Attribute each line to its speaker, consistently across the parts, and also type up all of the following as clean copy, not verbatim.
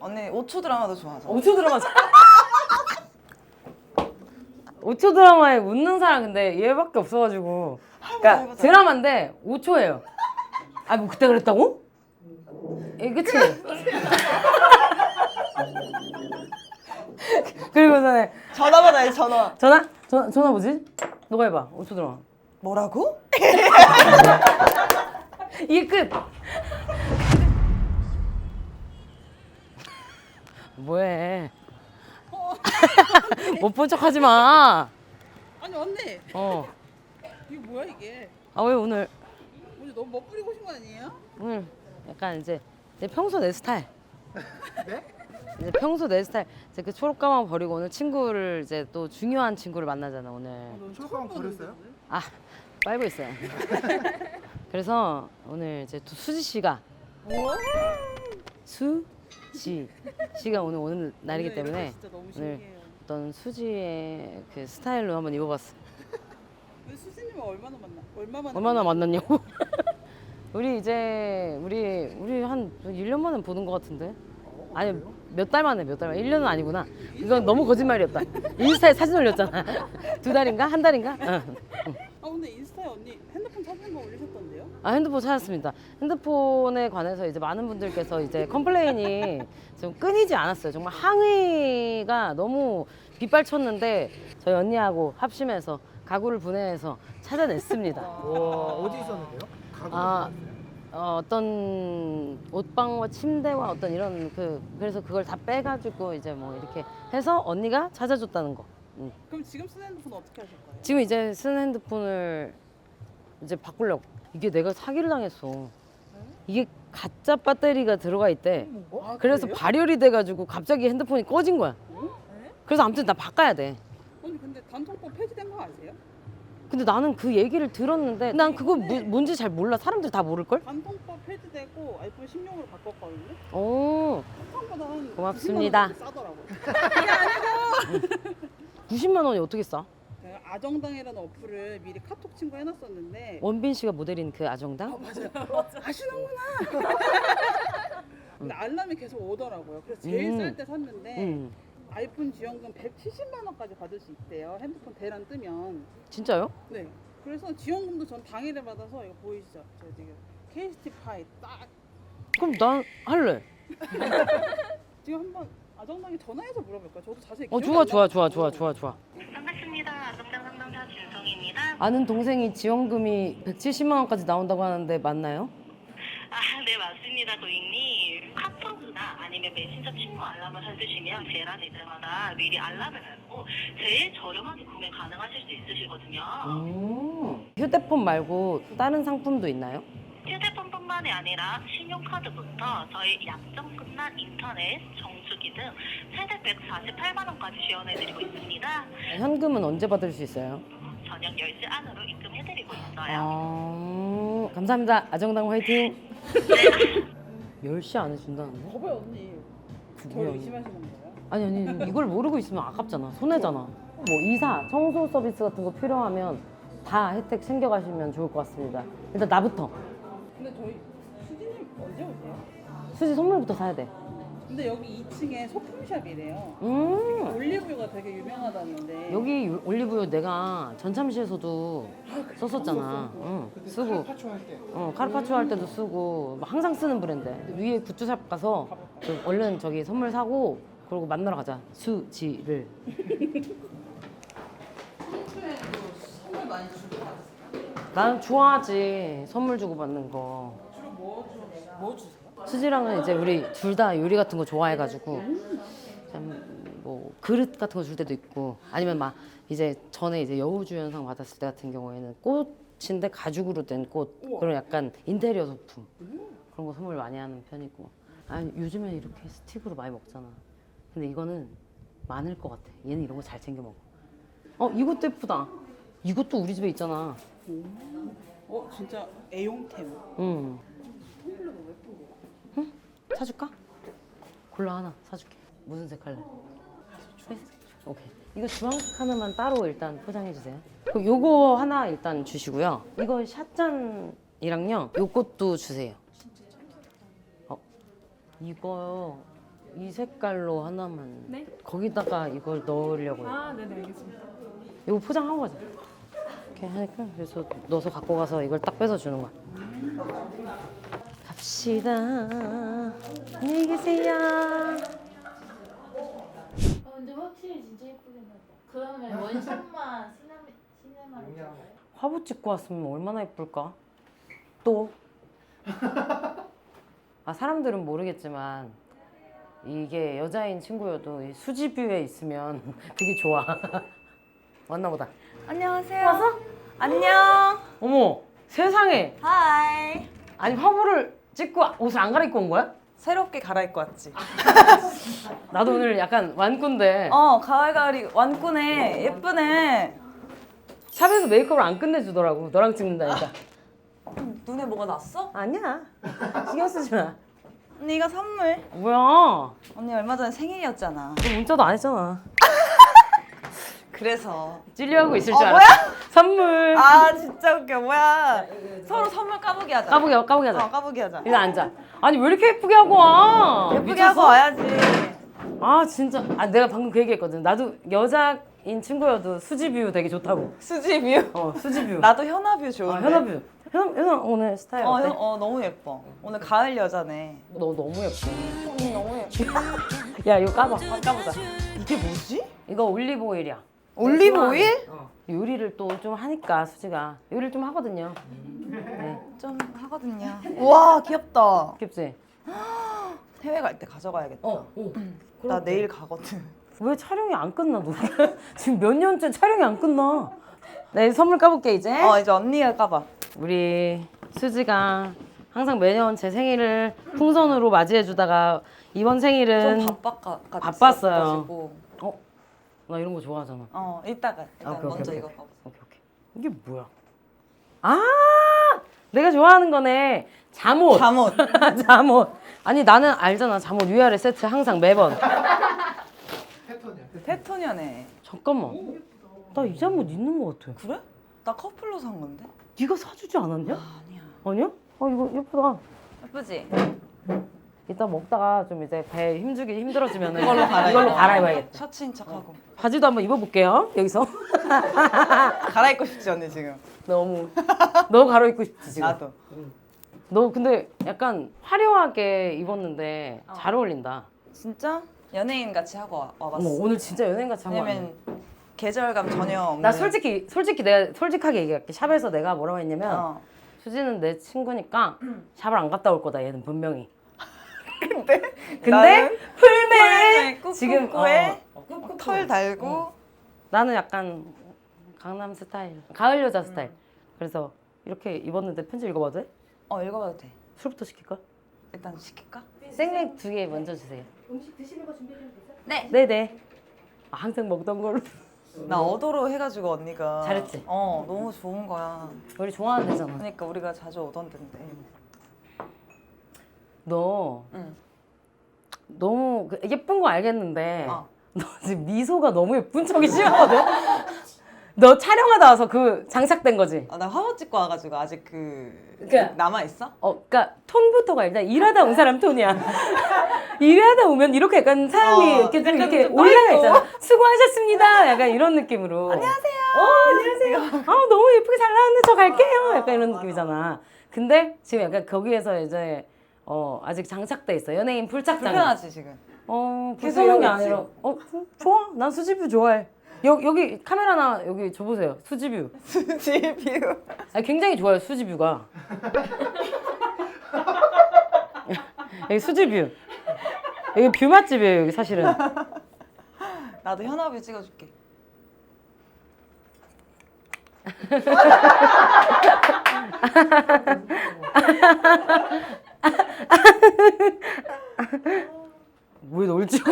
Speaker 1: 언니 5초 드라마도 좋아하죠?
Speaker 2: 5초 드라마 5초 드라마에 웃는 사람 근데 얘밖에 없어가지고 그러니까
Speaker 1: 해보자.
Speaker 2: 드라마인데 5초예요. 아 뭐 그때 그랬다고? 예, 그치? 그리고서는
Speaker 1: 전화 받아야지 전화.
Speaker 2: 전화 뭐지? 너가 해봐. 5초 드라마.
Speaker 1: 뭐라고?
Speaker 2: 이게 끝. 뭐해? 못 본 척 하지 마.
Speaker 3: 아니 언니 이거 뭐야 이게?
Speaker 2: 아 왜 오늘
Speaker 3: 너무 멋부리고 오신 거 아니에요?
Speaker 2: 오늘 약간 이제 평소 내 스타일. 네? 이제 평소 내 스타일. 이제 그 초록가만 버리고 오늘 친구를 이제 또 중요한 친구를 만나잖아 오늘.
Speaker 4: 초록가만 버렸어요?
Speaker 2: 아 빨고 있어요. 그래서 오늘 이제 또 수지 씨가 수지 씨가 오늘 날이기 때문에
Speaker 3: 진짜 너무
Speaker 2: 오늘
Speaker 3: 신기해요.
Speaker 2: 어떤 수지의 그 스타일로 한번 입어봤어.
Speaker 3: 근데 수진님은 얼마나
Speaker 2: 얼마나 만났냐고? 우리 이제 우리 한 1년 만에 보는 것 같은데? 아니 몇 달 만에 1년은 아니구나. 이건 너무 거짓말이었다. 인스타에 사진 올렸잖아. 2달인가? 한 달인가? 응.
Speaker 3: 아 근데 인스타에 언니 핸드폰 사진 거 올리셨던데요?
Speaker 2: 아 핸드폰 찾았습니다. 핸드폰에 관해서 이제 많은 분들께서 이제 컴플레인이 좀 끊이지 않았어요. 정말 항의가 너무 빗발쳤는데 저희 언니하고 합심해서 가구를 분해해서 찾아냈습니다.
Speaker 4: 와 어디 있었는데요?
Speaker 2: 아, 어떤 옷방과 침대와 어떤 이런 그래서 그걸 다 빼가지고 이제 뭐 이렇게 해서 언니가 찾아줬다는 거.
Speaker 3: 그럼 지금 쓰는 핸드폰 어떻게 하실 거예요?
Speaker 2: 지금 이제 쓰는 핸드폰을 이제 바꾸려고. 이게 내가 사기를 당했어. 이게 가짜 배터리가 들어가 있대. 그래서
Speaker 3: 그래요?
Speaker 2: 발열이 돼가지고 갑자기 핸드폰이 꺼진 거야. 그래서 아무튼 나 바꿔야 돼.
Speaker 3: 언니 근데 단통법 폐지된 거 아세요?
Speaker 2: 근데 나는 그 얘기를 들었는데 난 그거 뭔지 잘 몰라. 사람들 다 모를걸?
Speaker 3: 단통법 폐지되고 아이폰 16으로 바꿨거든요?
Speaker 2: 오,
Speaker 3: 한번보다 한
Speaker 2: 고맙습니다.
Speaker 3: 90만 원 싸더라고요.
Speaker 2: 90만 원이 어떻게 싸?
Speaker 3: 제가 아정당이라는 어플을 미리 카톡 친구 해놨었는데
Speaker 2: 원빈 씨가 모델인 그 아정당?
Speaker 3: 아시는구나. 근데 알람이 계속 오더라고요. 그래서 제일 쌀 때 샀는데 아이폰 지원금 170만 원까지 받을 수 있대요. 핸드폰 대란 뜨면.
Speaker 2: 진짜요?
Speaker 3: 네. 그래서 지원금도 전 당일에 받아서 이거 보이시죠? 저 지금 KST 파이 딱
Speaker 2: 그럼 난 할래.
Speaker 3: 지금 한번 아정당에 전화해서 물어볼까요? 저도 자세히
Speaker 2: 좋아.
Speaker 5: 반갑습니다. 아정당 상담사 진성입니다.
Speaker 2: 아는 동생이 지원금이 170만 원까지 나온다고 하는데 맞나요?
Speaker 5: 아, 네 맞습니다, 고객님. 카톡이나 아니면 메신저 친구 알람을 설두시면 제란 이때마다 미리 알람을 알고 제일 저렴하게 구매 가능하실 수 있으시거든요.
Speaker 2: 휴대폰 말고 다른 상품도 있나요?
Speaker 5: 휴대폰뿐만이 아니라 신용카드부터 저희 약정 끝난 인터넷, 정수기 등 최대 148만 원까지 지원해드리고 있습니다.
Speaker 2: 현금은 언제 받을 수 있어요?
Speaker 5: 저녁 10시 안으로 입금해드리고 있어요.
Speaker 2: 감사합니다. 아정당 화이팅. 10시 안에 준다는데?
Speaker 3: 거봐요 언니.
Speaker 2: 그거
Speaker 3: 저를
Speaker 2: 뭐야?
Speaker 3: 의심하시는 거예요?
Speaker 2: 아니 이걸 모르고 있으면 아깝잖아. 손해잖아. 뭐 이사, 청소 서비스 같은 거 필요하면 다 혜택 챙겨가시면 좋을 것 같습니다. 일단 나부터.
Speaker 3: 근데 저희 수진님 언제 오세요?
Speaker 2: 수지 선물부터 사야 돼.
Speaker 3: 근데 여기 2층에 소품샵이래요. 올리브유가 되게 유명하다는데.
Speaker 2: 여기 올리브유 내가 전참시에서도 썼었잖아. 응, 쓰고.
Speaker 4: 파초 할 때.
Speaker 2: 카르파초 할 때도 쓰고 막 항상 쓰는 브랜드. 위에 굿즈샵 가서 얼른 저기 선물 사고 그러고 만나러 가자. 수지를.
Speaker 3: 선물 많이 주고 받으세요?
Speaker 2: 나는 좋아하지. 선물 주고 받는 거.
Speaker 3: 주로 뭐 주세요?
Speaker 2: 수지랑은 이제 우리 둘 다 요리 같은 거 좋아해가지고 뭐 그릇 같은 거 줄 때도 있고 아니면 막 이제 전에 이제 여우주연상 받았을 때 같은 경우에는 꽃인데 가죽으로 된 꽃 그런 약간 인테리어 소품 그런 거 선물 많이 하는 편이고 아니 요즘에 이렇게 스틱으로 많이 먹잖아. 근데 이거는 많을 것 같아. 얘는 이런 거 잘 챙겨 먹어. 이것도 예쁘다. 이것도 우리 집에 있잖아.
Speaker 3: 진짜 애용템.
Speaker 2: 응. 응? 사줄까? 골라 하나 사줄게. 무슨 색 할래? 회색? 오케이. 이거 주황색 하나만 따로 일단 포장해 주세요. 그럼 요거 하나 일단 주시고요. 이거 샷잔이랑요. 요것도 주세요. 이거 이 색깔로 하나만.
Speaker 6: 네?
Speaker 2: 거기다가 이걸 넣으려고요.
Speaker 6: 아, 네네, 알겠습니다.
Speaker 2: 이거 포장하고 가자. 이렇게 하니까 그래서 넣어서 갖고 가서 이걸 딱 빼서 주는 거야. 갑시다. 안녕히 계세요.
Speaker 7: 근데 확실히 진짜 예쁘긴 하다. 그러면 원샷만 시네마로 찍어요?
Speaker 2: 화보 찍고 왔으면 얼마나 예쁠까? 또? 아, 사람들은 모르겠지만 이게 여자인 친구여도 이 수지뷰에 있으면 되게 좋아. 왔나 보다.
Speaker 1: 안녕하세요. 와서? 안녕.
Speaker 2: 어머, 세상에.
Speaker 1: 하이.
Speaker 2: 아니 화보를 찍고 옷을 안 갈아입고 온 거야?
Speaker 1: 새롭게 갈아입고 왔지.
Speaker 2: 나도 오늘 약간 완꾼데
Speaker 1: 가을가을이 완꾸네. 예쁘네.
Speaker 2: 샵에서 메이크업을 안 끝내주더라고. 너랑 찍는다니까.
Speaker 1: 눈에 뭐가 났어?
Speaker 2: 아니야. 신경 쓰지 마.
Speaker 1: 언니 이거 선물.
Speaker 2: 뭐야?
Speaker 1: 언니 얼마 전에 생일이었잖아.
Speaker 2: 너 문자도 안 했잖아.
Speaker 1: 그래서.
Speaker 2: 찔려하고 있을 줄
Speaker 1: 뭐야?
Speaker 2: 알았어. 선물.
Speaker 1: 아 진짜 웃겨. 뭐야? 서로 선물 까보기 하자.
Speaker 2: 까보게 하자.
Speaker 1: 까보기 하자.
Speaker 2: 일단 앉아. 아니 왜 이렇게 예쁘게 하고 와?
Speaker 1: 예쁘게
Speaker 2: 미쳤어?
Speaker 1: 하고 와야지.
Speaker 2: 아 진짜. 아 내가 방금 그 얘기했거든. 나도 여자인 친구여도 수지뷰 되게 좋다고.
Speaker 1: 수지뷰.
Speaker 2: 수지뷰.
Speaker 1: 나도 현아뷰 좋은데.
Speaker 2: 현아뷰. 현아 오늘 스타일 어때?
Speaker 1: 너무 예뻐. 오늘 가을 여자네.
Speaker 2: 너 너무 예뻐.
Speaker 1: 언니 너무 예뻐.
Speaker 2: 야 이거 까봐.
Speaker 1: 까보자. 이게 뭐지?
Speaker 2: 이거 올리브 오일이야.
Speaker 1: 올리브 오일?
Speaker 2: 요리를 또 좀 하니까 수지가 요리를 좀 하거든요. 네.
Speaker 1: 좀 하거든요. 우와 귀엽다.
Speaker 2: 귀엽지?
Speaker 1: 해외 갈 때 가져가야겠다.
Speaker 2: 오.
Speaker 1: 나 내일 가거든.
Speaker 2: 왜 촬영이 안 끝나 너? 지금 몇 년째 촬영이 안 끝나. 네 선물 까볼게 이제.
Speaker 1: 이제 언니가 까봐.
Speaker 2: 우리 수지가 항상 매년 제 생일을 풍선으로 맞이해주다가 이번 생일은
Speaker 1: 좀
Speaker 2: 바빴어요. 나 이런 거 좋아하잖아.
Speaker 1: 이따가 일단
Speaker 2: 오케이,
Speaker 1: 먼저
Speaker 2: 오케이,
Speaker 1: 이거
Speaker 2: 오케이.
Speaker 1: 봐보자.
Speaker 2: 오케이. 이게 뭐야? 아, 내가 좋아하는 거네. 잠옷.
Speaker 1: 잠옷.
Speaker 2: 잠옷. 아니 나는 알잖아. 잠옷 위아래 세트 항상 매번.
Speaker 4: 패턴이야.
Speaker 1: 페토니아네.
Speaker 2: 잠깐만. 나 이 잠옷 있는 거 같아.
Speaker 1: 그래? 나 커플로 산 건데?
Speaker 2: 네가 사주지 않았냐?
Speaker 1: 아니야.
Speaker 2: 아니야? 이거 예쁘다.
Speaker 1: 예쁘지?
Speaker 2: 이따 먹다가 좀 이제 배 힘주기 힘들어지면
Speaker 1: 이걸로
Speaker 2: 갈아입어야겠다.
Speaker 1: 셔츠인 척하고.
Speaker 2: 바지도 한번 입어볼게요. 여기서.
Speaker 1: 갈아입고 싶지 언니 지금.
Speaker 2: 너무 갈아입고 싶지 지금.
Speaker 1: 나도.
Speaker 2: 너 근데 약간 화려하게 입었는데 잘 어울린다.
Speaker 1: 진짜? 연예인 같이 하고 와봤어.
Speaker 2: 어머, 오늘 진짜 연예인같이 한거 아니야?
Speaker 1: 왜냐면 계절감 전혀 없는.
Speaker 2: 나 솔직히 내가 솔직하게 얘기할게. 샵에서 내가 뭐라고 했냐면 수지는 내 친구니까 샵을 안 갔다 올 거다. 얘는 분명히. 근데
Speaker 1: 나는
Speaker 2: 풀매
Speaker 1: 지금 털 달고
Speaker 2: 나는 약간 강남 스타일, 가을 여자 스타일. 그래서 이렇게 입었는데 편지 읽어봐도 돼?
Speaker 1: 읽어봐도 돼.
Speaker 2: 술부터 시킬까?
Speaker 1: 일단 시킬까?
Speaker 2: 생맥 2개 먼저 주세요.
Speaker 6: 음식 드시는 거 준비되면 되죠?
Speaker 2: 네네. 항상 먹던 걸로.
Speaker 1: 나 어도로 해가지고 언니가
Speaker 2: 잘했지?
Speaker 1: 너무 좋은 거야.
Speaker 2: 우리 좋아하는 데잖아.
Speaker 1: 그러니까 우리가 자주 오던 데인데.
Speaker 2: 너
Speaker 1: 응.
Speaker 2: 너무 예쁜 거 알겠는데
Speaker 1: 어.
Speaker 2: 너 지금 미소가 너무 예쁜 척이 심하거든? 너 촬영하다 와서 그 장착된 거지?
Speaker 1: 나 화보 찍고 와가지고 아직
Speaker 2: 그러니까-
Speaker 1: 남아 있어?
Speaker 2: 그러니까 톤부터가 일단 일하다 온 사람 톤이야. 일하다 오면 이렇게 약간 사람이 이렇게 좀
Speaker 1: 약간
Speaker 2: 이렇게
Speaker 1: 좀
Speaker 2: 올라가
Speaker 1: 떠있고.
Speaker 2: 있잖아. 수고하셨습니다. 약간 이런 느낌으로. 안녕하세요. 너무 예쁘게 잘 나왔는데 저 갈게요. 약간 이런 느낌이잖아. 근데 지금 약간 거기에서 이제 아직 장착돼 있어. 연예인 풀착장.
Speaker 1: 불편하지 지금.
Speaker 2: 계속
Speaker 1: 이러고
Speaker 2: 게
Speaker 1: 있지.
Speaker 2: 아니라 좋아. 난 수지뷰 좋아해. 여기 카메라나 여기 줘보세요. 수지뷰.
Speaker 1: 수지뷰.
Speaker 2: 굉장히 좋아요. 수지뷰가. 여기 수지뷰. 여기 뷰 맛집이에요. 여기 사실은.
Speaker 1: 나도 현아뷰 찍어줄게.
Speaker 2: 왜 널 찍어?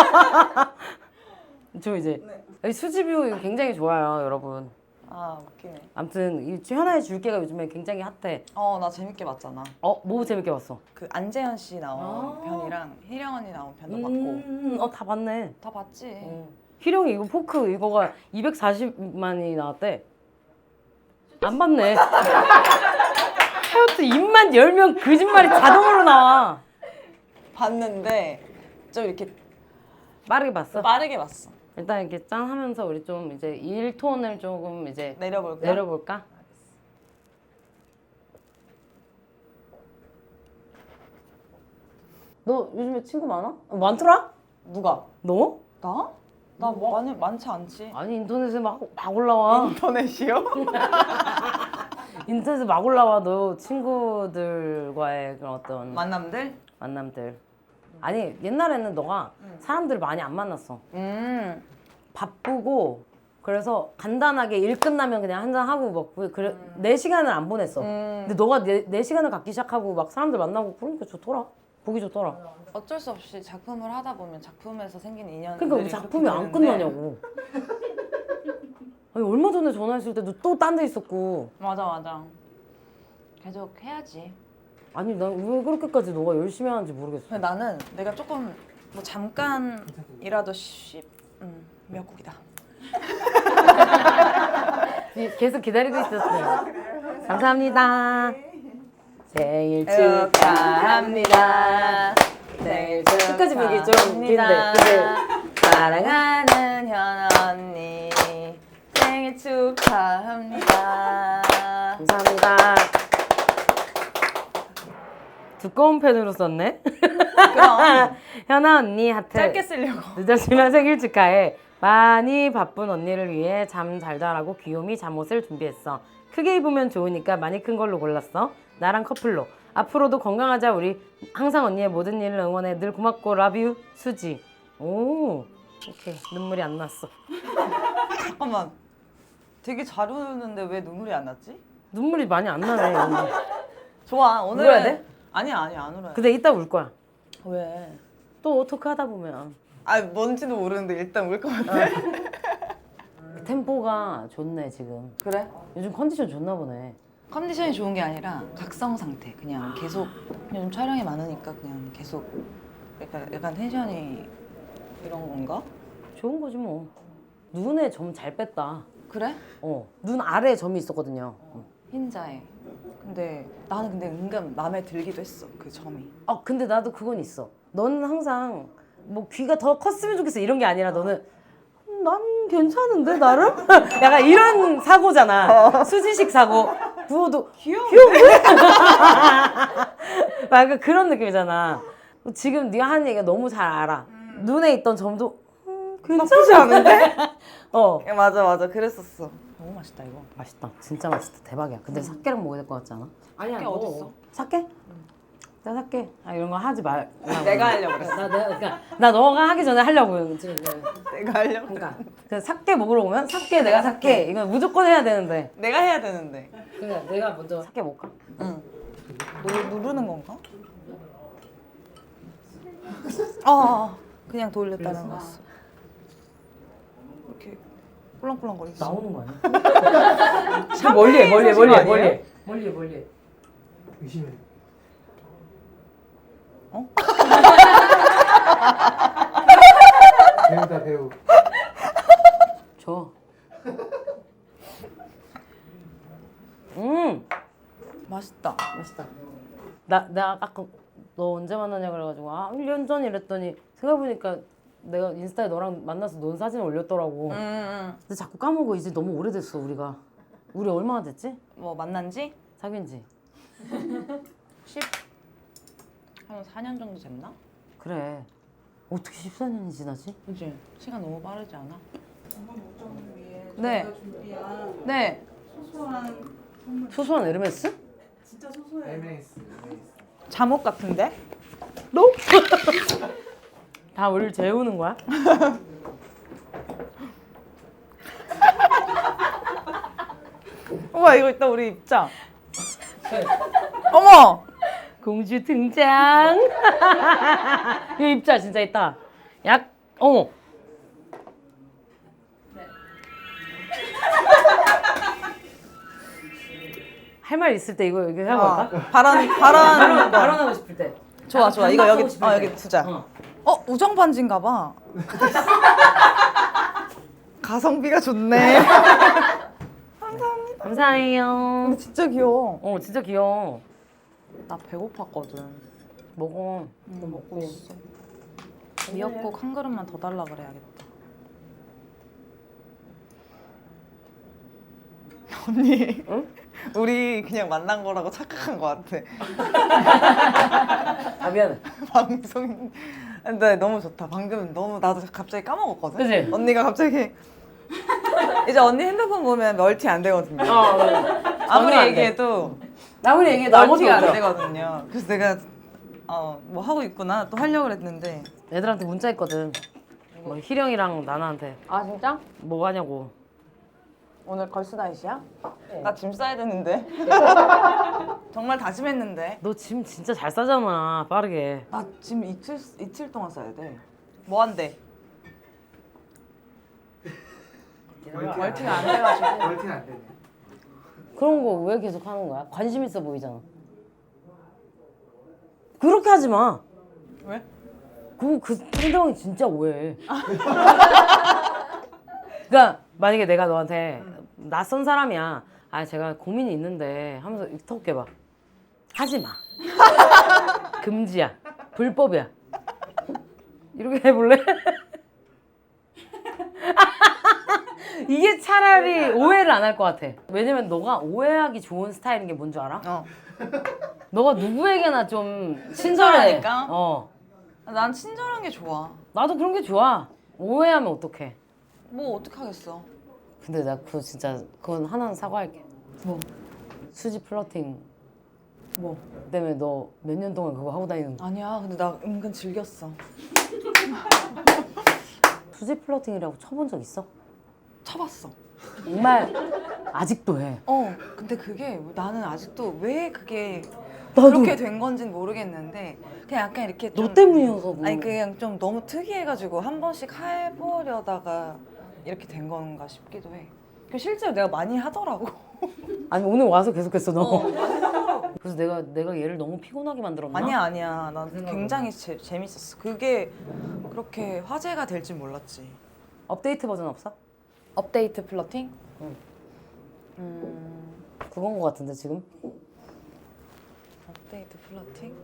Speaker 2: 저 이제 여기 수지뷰 이거 굉장히 좋아요, 여러분.
Speaker 1: 웃기네.
Speaker 2: 아무튼 이 현아의 줄기가 요즘에 굉장히 핫해.
Speaker 1: 나 재밌게 봤잖아.
Speaker 2: 뭐 재밌게 봤어?
Speaker 1: 그 안재현 씨 나온 편이랑 희령 언니 나온 편도 봤고.
Speaker 2: 다 봤네.
Speaker 1: 다 봤지.
Speaker 2: 희령이 이거 포크 이거가 240만이 나왔대. 안 봤네. 하여튼 입만 열면 거짓말이 자동으로 나와.
Speaker 1: 봤는데 좀 이렇게
Speaker 2: 빠르게 봤어?
Speaker 1: 빠르게 봤어.
Speaker 2: 일단 이렇게 짠 하면서 우리 좀 이제 1톤을 조금 이제
Speaker 1: 내려볼까?
Speaker 2: 내려볼까? 너 요즘에 친구 많아? 많더라?
Speaker 1: 누가?
Speaker 2: 너?
Speaker 1: 나? 나 많지 않지.
Speaker 2: 아니 인터넷에 막 올라와.
Speaker 1: 인터넷이요?
Speaker 2: 인터넷에 막 올라와. 너 친구들과의 그런 어떤
Speaker 1: 만남들?
Speaker 2: 만남들. 아니 옛날에는 너가 사람들을 많이 안 만났어. 바쁘고 그래서 간단하게 일 끝나면 그냥 한잔 하고 먹고 그래 내 시간을 안 보냈어. 근데 너가 내 시간을 갖기 시작하고 막 사람들 만나고 그러니까 좋더라. 보기 좋더라.
Speaker 1: 어쩔 수 없이 작품을 하다 보면 작품에서 생긴 인연들이
Speaker 2: 그러니까 우리 작품이 안 끝나냐고. 아니 얼마 전에 전화했을 때도 또 딴 데 있었고.
Speaker 1: 맞아. 계속 해야지.
Speaker 2: 아니 난 왜 그렇게까지 너가 열심히 하는지 모르겠어.
Speaker 1: 근데 나는 내가 조금 뭐 잠깐이라도 미역국이다.
Speaker 2: 계속 기다리고 있었어요. 감사합니다. 생일
Speaker 1: 축하합니다. 생일
Speaker 2: 끝까지 보기 좀 긴데.
Speaker 1: 사랑하는 현 언니 생일 축하합니다.
Speaker 2: 감사합니다. 두꺼운 펜으로 썼네.
Speaker 1: 그럼
Speaker 2: 현아 언니 하트.
Speaker 1: 짧게 쓰려고.
Speaker 2: 늦었지만 생일 축하해. 많이 바쁜 언니를 위해 잠 잘 자라고 귀요미 잠옷을 준비했어. 크게 입으면 좋으니까 많이 큰 걸로 골랐어. 나랑 커플로. 앞으로도 건강하자 우리. 항상 언니의 모든 일을 응원해. 늘 고맙고 라뷰 수지. 오, 오케이. 눈물이 안 났어.
Speaker 1: 잠깐만. 되게 잘 우는데 왜 눈물이 안 났지?
Speaker 2: 눈물이 많이 안 나네. 언니.
Speaker 1: 좋아. 오늘은
Speaker 2: 울어야 돼?
Speaker 1: 아니야 안 울어요.
Speaker 2: 근데 이따 울 거야.
Speaker 1: 왜?
Speaker 2: 또 어떻게 하다 보면.
Speaker 1: 뭔지도 모르는데 일단 울 것 같아.
Speaker 2: 템포가 좋네 지금.
Speaker 1: 그래?
Speaker 2: 요즘 컨디션 좋나 보네.
Speaker 1: 컨디션이 좋은 게 아니라 각성 상태. 그냥 계속 요즘 촬영이 많으니까 그냥 계속 약간 텐션이 이런 건가?
Speaker 2: 좋은 거지 뭐. 눈에 점 잘 뺐다.
Speaker 1: 그래?
Speaker 2: 눈 아래에 점이 있었거든요.
Speaker 1: 흰자에. 근데 나는 은근 마음에 들기도 했어 그 점이.
Speaker 2: 근데 나도 그건 있어. 너는 항상 뭐 귀가 더 컸으면 좋겠어 이런 게 아니라 너는 난 괜찮은데 나름? 약간 이런 사고잖아. 수지식 사고. 부어도 귀여운데? 약간 그런 느낌이잖아. 지금 네가 하는 얘기가 너무 잘 알아. 눈에 있던 점도
Speaker 1: 나쁘지 않은데? 맞아 그랬었어. 너무 맛있다 이거.
Speaker 2: 맛있다. 진짜 맛있다. 대박이야. 근데 사케랑 먹어야 될 것 같지 않아? 아니야.
Speaker 1: 사케 어딨어?
Speaker 2: 사케? 나 사케. 이런 거 하지 말.
Speaker 1: 내가 하려고 그랬어.
Speaker 2: 나 너가 하기 전에 하려고 지금.
Speaker 1: 내가 하려고.
Speaker 2: 그러니까 그 사케 먹으러 오면 사케 내가 사케 이거 무조건 해야 되는데.
Speaker 1: 내가 해야 되는데.
Speaker 2: 그냥 내가 먼저 사케 먹을까?
Speaker 1: 응. 누르는 건가? 그냥 돌렸다는 거였어. 이렇게 꿀렁꿀렁거리지.
Speaker 2: 나오는 거 아니야?
Speaker 1: 샴페인 소식 아니에요?
Speaker 2: 멀리.
Speaker 4: 의심해. 배우다 배우.
Speaker 2: 줘.
Speaker 1: 맛있다.
Speaker 2: 맛있다. 내가 아까 너 언제 만나냐 그래가지고 1년 전 이랬더니 생각해보니까 내가 인스타에 너랑 만나서 논 사진 올렸더라고. 근데 자꾸 까먹어. 이제 너무 오래됐어 우리가. 우리 얼마나 됐지?
Speaker 1: 뭐 만난 지?
Speaker 2: 사귄 지.
Speaker 1: 한 4년 정도 됐나?
Speaker 2: 그래. 어떻게 14년이 지나지?
Speaker 1: 그치? 시간 너무 빠르지 않아?
Speaker 3: 건강 목적을 위해
Speaker 1: 네.
Speaker 3: 저희가 준비한
Speaker 1: 네.
Speaker 3: 소소한 선물.
Speaker 2: 소소한 에르메스?
Speaker 3: 진짜 소소해요.
Speaker 4: MS.
Speaker 1: 잠옷 같은데?
Speaker 2: 다 우리를 재우는 거야?
Speaker 1: 우와 이거 이따 우리 입자. 어머!
Speaker 2: 공주 등장. 이거 입자 진짜 있다. 어머. 할 말 있을 때 이거 여기 하고 갈까? 발언하고 싶을 때.
Speaker 1: 좋아 이거 여기
Speaker 2: 반박하고 싶을 때.
Speaker 1: 여기 두자. 우정 반지인가 봐. 가성비가 좋네.
Speaker 2: 감사해요.
Speaker 1: 근데 진짜 귀여워.
Speaker 2: 진짜 귀여워.
Speaker 1: 나 배고팠거든.
Speaker 2: 먹어.
Speaker 1: 먹고 있어. 미역국 한 그릇만 더 달라 그래야겠다. 언니,
Speaker 2: 응?
Speaker 1: 우리 그냥 만난 거라고 착각한 거 같아.
Speaker 2: 아 미안해.
Speaker 1: 방송. 근데 너무 좋다. 방금 너무 나도 갑자기 까먹었거든.
Speaker 2: 그치?
Speaker 1: 언니가 갑자기 이제 언니 핸드폰 보면 멀티 안 되거든요.
Speaker 2: 전혀
Speaker 1: 아무리
Speaker 2: 안 돼.
Speaker 1: 얘기해도
Speaker 2: 아무리 얘기해도 아무것도
Speaker 1: 멀티가 안
Speaker 2: 없어.
Speaker 1: 되거든요. 그래서 내가 뭐 하고 있구나 또 하려고 그랬는데
Speaker 2: 애들한테 문자 했거든. 뭐 희령이랑 나나한테. 아 진짜? 뭐 하냐고.
Speaker 1: 오늘 걸스나잇이야? 나 짐 싸야 되는데. 정말 다짐했는데.
Speaker 2: 너 짐 진짜 잘 싸잖아. 빠르게.
Speaker 1: 나 짐 이틀 동안 싸야 돼. 뭐 한대? 멀티가 안 돼가지고.
Speaker 4: 멀티는 안 되네.
Speaker 2: 그런 거 왜 계속 하는 거야? 관심 있어 보이잖아. 그렇게 하지 마.
Speaker 1: 왜?
Speaker 2: 그 상대방이 진짜 오해해. 그러니까 만약에 내가 너한테 낯선 사람이야. 아 제가 고민이 있는데 하면서 턱 깨봐. 하지 마. 금지야. 불법이야. 이렇게 해볼래? 이게 차라리 오해를 안 할 것 같아. 왜냐면 너가 오해하기 좋은 스타일인 게 뭔 줄 알아? 너가 누구에게나 좀 친절해.
Speaker 1: 친절하니까?
Speaker 2: 어.
Speaker 1: 난 친절한 게 좋아.
Speaker 2: 나도 그런 게 좋아. 오해하면 어떡해.
Speaker 1: 뭐 어떡하겠어.
Speaker 2: 근데 나 그거 진짜 그건 하나는 사과할게.
Speaker 1: 뭐?
Speaker 2: 수지 플러팅
Speaker 1: 뭐?
Speaker 2: 때문에 너 몇 년 동안 그거 하고 다니는 거.
Speaker 1: 아니야. 근데 나 은근 즐겼어.
Speaker 2: 수지 플러팅이라고 쳐본 적 있어?
Speaker 1: 쳐봤어.
Speaker 2: 정말 아직도 해.
Speaker 1: 근데 그게 나는 아직도 왜 그게
Speaker 2: 나도.
Speaker 1: 그렇게 된 건지는 모르겠는데 그냥 약간 이렇게 좀
Speaker 2: 너 때문이어서 뭐.
Speaker 1: 아니 그냥 좀 너무 특이해가지고 한 번씩 해보려다가 이렇게 된 건가 싶기도 해. 그 실제로 내가 많이 하더라고.
Speaker 2: 아니 오늘 와서 계속했어 너. 그래서 내가 얘를 너무 피곤하게 만들었나?
Speaker 1: 아니야. 난 굉장히 재밌었어. 그게 그렇게 화제가 될 줄 몰랐지.
Speaker 2: 업데이트 버전 없어?
Speaker 1: 업데이트 플러팅?
Speaker 2: 그건 거 같은데 지금?
Speaker 1: 업데이트 플러팅?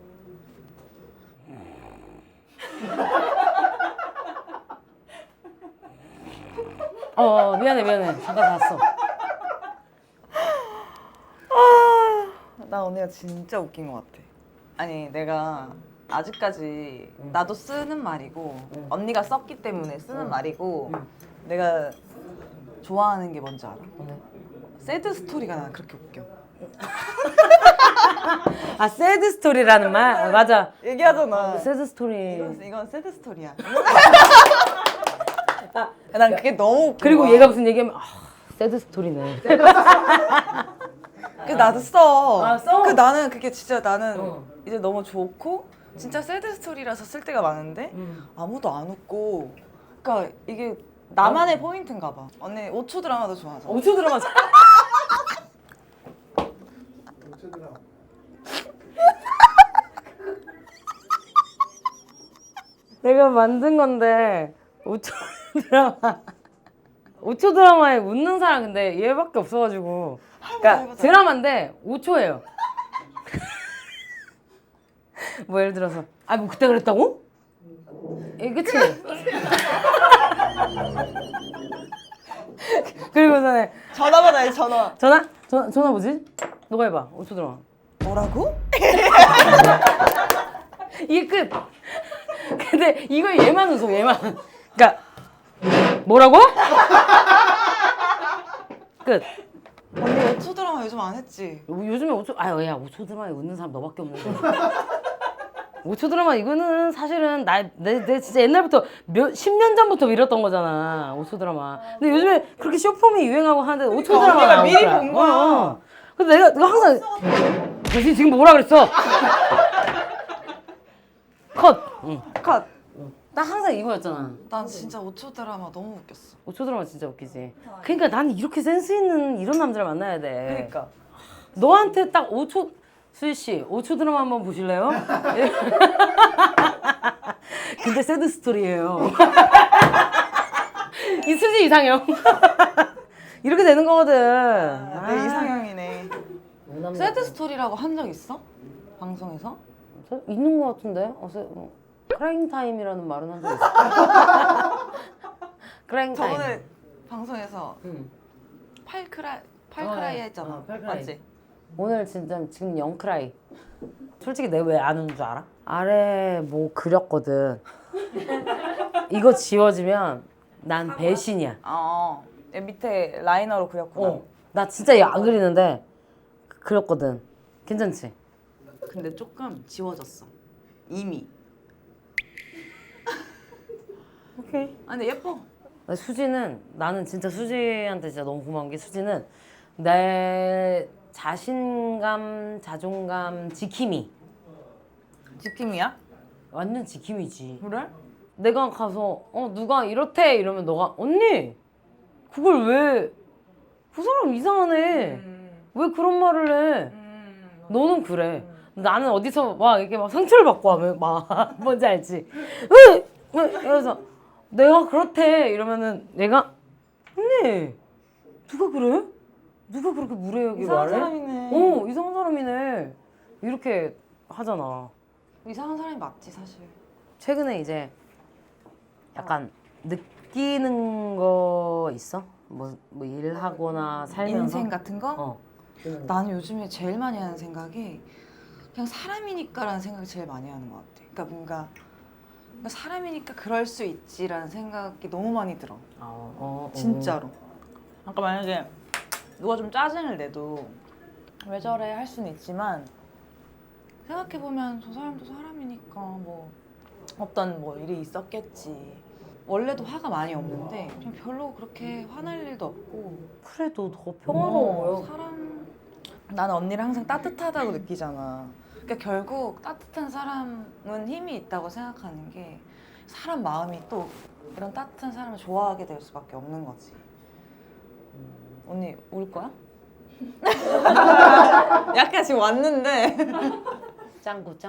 Speaker 2: 미안해 잠깐 봤어.
Speaker 1: 나 언니가 진짜 웃긴 것 같아. 아니 내가 아직까지 나도 쓰는 말이고 언니가 썼기 때문에 쓰는 말이고 내가 좋아하는 게 뭔지 알아? 새드 스토리가 난 그렇게 웃겨.
Speaker 2: 아 새드 스토리라는 말? 아, 맞아.
Speaker 1: 얘기하잖아.
Speaker 2: 새드 스토리.
Speaker 1: 이건 새드 스토리야. 난 그게 너무 웃겨.
Speaker 2: 그리고 얘가 무슨 얘기하면 새드 스토리네.
Speaker 1: 그 나도 써.
Speaker 2: 아, 써?
Speaker 1: 그 나는 그게 진짜 나는 이제 너무 좋고 진짜 새드 스토리라서 쓸 때가 많은데 아무도 안 웃고. 그러니까 이게 나만의 포인트인가 봐. 언니 5초 드라마도 좋아하잖아.
Speaker 2: 5초 드라마. 내가 만든 건데 5초 드라마. 5초 드라마에 웃는 사람 근데 얘밖에 없어가지고. 그러니까
Speaker 1: 해보자.
Speaker 2: 드라마인데 5초예요. 뭐 예를 들어서 뭐 그때 그랬다고? 그치? 그리고서는
Speaker 1: 전화 받아야지 전화.
Speaker 2: 전화 뭐지? 너가 해봐. 5초 드라마.
Speaker 1: 뭐라고?
Speaker 2: 이게 끝. 근데 이거 얘만 웃어 얘만. 그러니까 뭐라고? 끝.
Speaker 1: 언니 5초 드라마 요즘 안 했지?
Speaker 2: 요즘에 5초 야 5초 드라마에 웃는 사람 너밖에 없는데. 5초 드라마 이거는 사실은 내 진짜 옛날부터 10년 전부터 밀었던 거잖아. 5초 드라마. 근데 요즘에 그렇게 쇼폼이 유행하고 하는데 5초 드라마
Speaker 1: 언니가 미리 본 거야.
Speaker 2: 근데 내가 항상 당신 지금 뭐라 그랬어? 컷. 응.
Speaker 1: 컷.
Speaker 2: 나 항상 이거였잖아.
Speaker 1: 난 진짜 5초 드라마 너무 웃겼어.
Speaker 2: 5초 드라마 진짜 웃기지. 그러니까 나는 이렇게 센스 있는 이런 남자를 만나야 돼.
Speaker 1: 그러니까.
Speaker 2: 너한테 딱 5초 수희 씨 5초 드라마 한번 보실래요? 근데 새드 스토리예요. 이 수지 이상형. 이렇게 되는 거거든.
Speaker 1: 내 이상형이네. 새드 스토리라고 한 적 있어? 방송에서?
Speaker 2: 있는 거 같은데? 크라잉 타임이라는 말은 한 적 있어. 크라잉 타임.
Speaker 1: 저번에 방송에서
Speaker 2: 응.
Speaker 1: 팔크라이
Speaker 2: 네.
Speaker 1: 했잖아.
Speaker 2: 팔크라이.
Speaker 1: 맞지?
Speaker 2: 오늘 진짜 지금 0크라이. 솔직히 내가 왜 안 우는 줄 알아? 아래 뭐 그렸거든. 이거 지워지면 난 배신이야.
Speaker 1: 얘 밑에 라이너로 그렸구나.
Speaker 2: 나 진짜 이거 안 그리는데 그렸거든. 괜찮지?
Speaker 1: 근데 조금 지워졌어. 이미.
Speaker 2: 오케이.
Speaker 1: 아 근데 예뻐.
Speaker 2: 수지는 나는 진짜 수지한테 진짜 너무 고마운 게 수지는 내 자신감, 자존감 지킴이.
Speaker 1: 지킴이야?
Speaker 2: 완전 지킴이지.
Speaker 1: 그래?
Speaker 2: 내가 가서 누가 이렇대 이러면 너가 언니 그걸 왜 그 사람 이상하네. 왜 그런 말을 해? 너는 그래. 나는 어디서 막 이렇게 막 상처를 받고 하면 막 뭔지 알지? 왜? 이러면서 내가 그렇대 이러면은 내가 언니 누가 그래? 누가 그렇게 무례하게
Speaker 1: 이상한
Speaker 2: 말해?
Speaker 1: 사람이네.
Speaker 2: 이상한 사람이네. 이렇게 하잖아.
Speaker 1: 이상한 사람이 맞지 사실.
Speaker 2: 최근에 이제 약간 느끼는 거 있어? 뭐 일하거나 살면서
Speaker 1: 인생 같은 거?
Speaker 2: 어.
Speaker 1: 나는 요즘에 제일 많이 하는 생각이 그냥 사람이니까라는 생각을 제일 많이 하는 것 같아. 그러니까 뭔가 사람이니까 그럴 수 있지라는 생각이 너무 많이 들어. 진짜로. 아까 만약에 누가 좀 짜증을 내도 왜 저래 할 수는 있지만 생각해보면 저 사람도 사람이니까 뭐 어떤 뭐 일이 있었겠지. 원래도 화가 많이 없는데 그냥 별로 그렇게 화날 일도 없고.
Speaker 2: 그래도 더 평화로워요.
Speaker 1: 나는 언니를 항상 따뜻하다고 느끼잖아. 그러니까 결국 따뜻한 사람은 힘이 있다고 생각하는 게 사람 마음이 또 이런 따뜻한 사람을 좋아하게 될 수밖에 없는 거지. 언니 울 거야? 약간 지금 왔는데.
Speaker 2: 짱구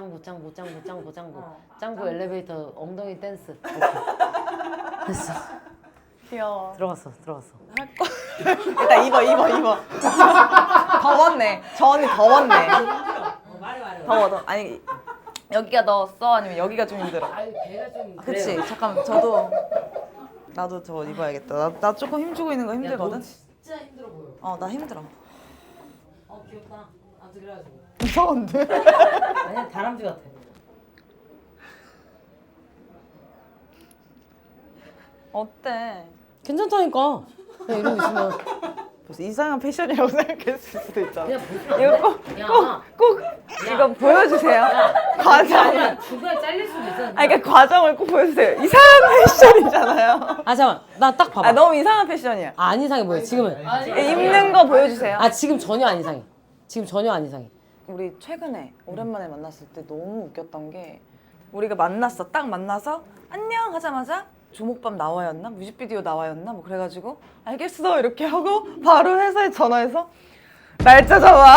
Speaker 2: 엘리베이터 엉덩이 댄스. 오케이. 됐어.
Speaker 1: 귀여워.
Speaker 2: 들어갔어.
Speaker 1: 일단 입어. 더웠네. 저 언니 더웠네. 더워. 아니 여기가 더웠어? 아니면 여기가 좀 힘들어?
Speaker 2: 아니 배가 좀.
Speaker 1: 그치? 잠깐만 나도 저거 입어야겠다. 나 조금 힘주고 있는 거 힘들거든?
Speaker 2: 진짜 힘들어 보여.
Speaker 1: 나 힘들어.
Speaker 2: 귀엽다. 아무튼 그래가지고.
Speaker 1: 이상한데?
Speaker 2: 아니 다람쥐 같아.
Speaker 1: 어때?
Speaker 2: 괜찮다니까. 그냥 이러고 있으면
Speaker 1: 무슨 이상한 패션이라고 생각했을 수도 있잖아.
Speaker 2: 그냥
Speaker 1: 이거 꼭 이거 보여주세요. 과정.
Speaker 2: 주가 잘릴 수도 있어.
Speaker 1: 그러니까 과정을 꼭 보여주세요. 이상한 패션이잖아요.
Speaker 2: 잠깐만. 나 딱 봐봐.
Speaker 1: 너무 이상한 패션이야.
Speaker 2: 안 이상해 보여 지금은.
Speaker 1: 입는 거 보여주세요.
Speaker 2: 지금 전혀 안 이상해.
Speaker 1: 우리 최근에 오랜만에 만났을 때 너무 웃겼던 게 우리가 딱 만나서 안녕 하자마자 조목밤 나와였나? 뮤직비디오 나와였나? 뭐 그래가지고 알겠어 이렇게 하고 바로 회사에 전화해서 날짜 잡아.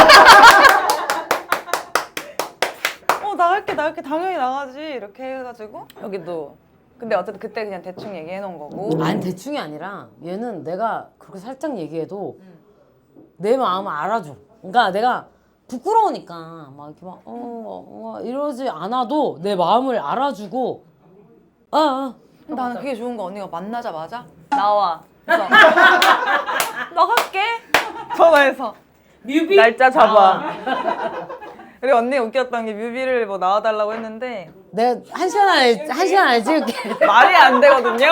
Speaker 1: 나갈게 당연히 나가지 이렇게 해가지고 여기도 근데 어쨌든 그때 그냥 대충 얘기해 놓은 거고.
Speaker 2: 아니 대충이 아니라 얘는 내가 그렇게 살짝 얘기해도 내 마음을 알아줘. 그러니까 내가 부끄러우니까 막 이렇게 막 이러지 않아도 내 마음을 알아주고
Speaker 1: 나는 그게 좋은 거. 언니가 만나자마자 나와. 그래서 나갈게. 전화해서
Speaker 2: 뮤비
Speaker 1: 날짜 잡아. 그리고 언니가 웃겼던 게 뮤비를 뭐 나와달라고 했는데
Speaker 2: 내가 한 시간 안에 찍을게.
Speaker 1: 말이 안 되거든요.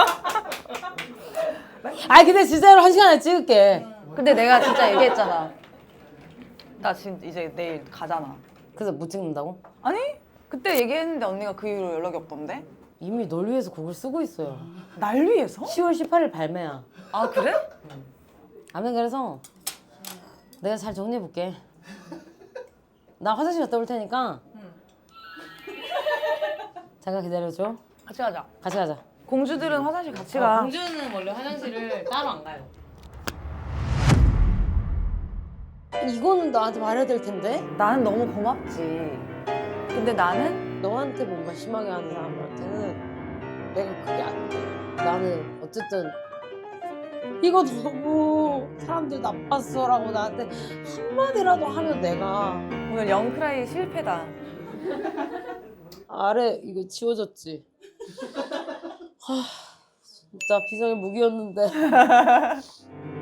Speaker 2: 근데 진짜로 한 시간 안에 찍을게.
Speaker 1: 근데 내가 진짜 얘기했잖아. 나 지금 이제 내일 가잖아.
Speaker 2: 그래서 못 찍는다고?
Speaker 1: 아니 그때 얘기했는데 언니가 그 이후로 연락이 없던데?
Speaker 2: 이미 널 위해서 곡을 쓰고 있어요.
Speaker 1: 날 위해서?
Speaker 2: 10월 18일 발매야.
Speaker 1: 아 그래?
Speaker 2: 아무튼 그래서 내가 잘 정리해볼게. 나 화장실 갔다 올 테니까 잠깐 기다려줘.
Speaker 1: 같이 가자.
Speaker 2: 같이 가자.
Speaker 1: 공주들은 화장실 같이 가.
Speaker 2: 공주는 원래 화장실을 따로 안 가요. 이거는 나한테 말해야 될 텐데?
Speaker 1: 나는 너무 고맙지. 근데 나는
Speaker 2: 너한테 뭔가 심하게 하는 사람한테는 내가 그게 안 돼. 나는 어쨌든 이거 너무 사람들 나빴어라고 나한테 한마디라도 하면 내가
Speaker 1: 오늘 영크라이 실패다.
Speaker 2: 아래 이거 지워졌지? 진짜 비장의 무기였는데.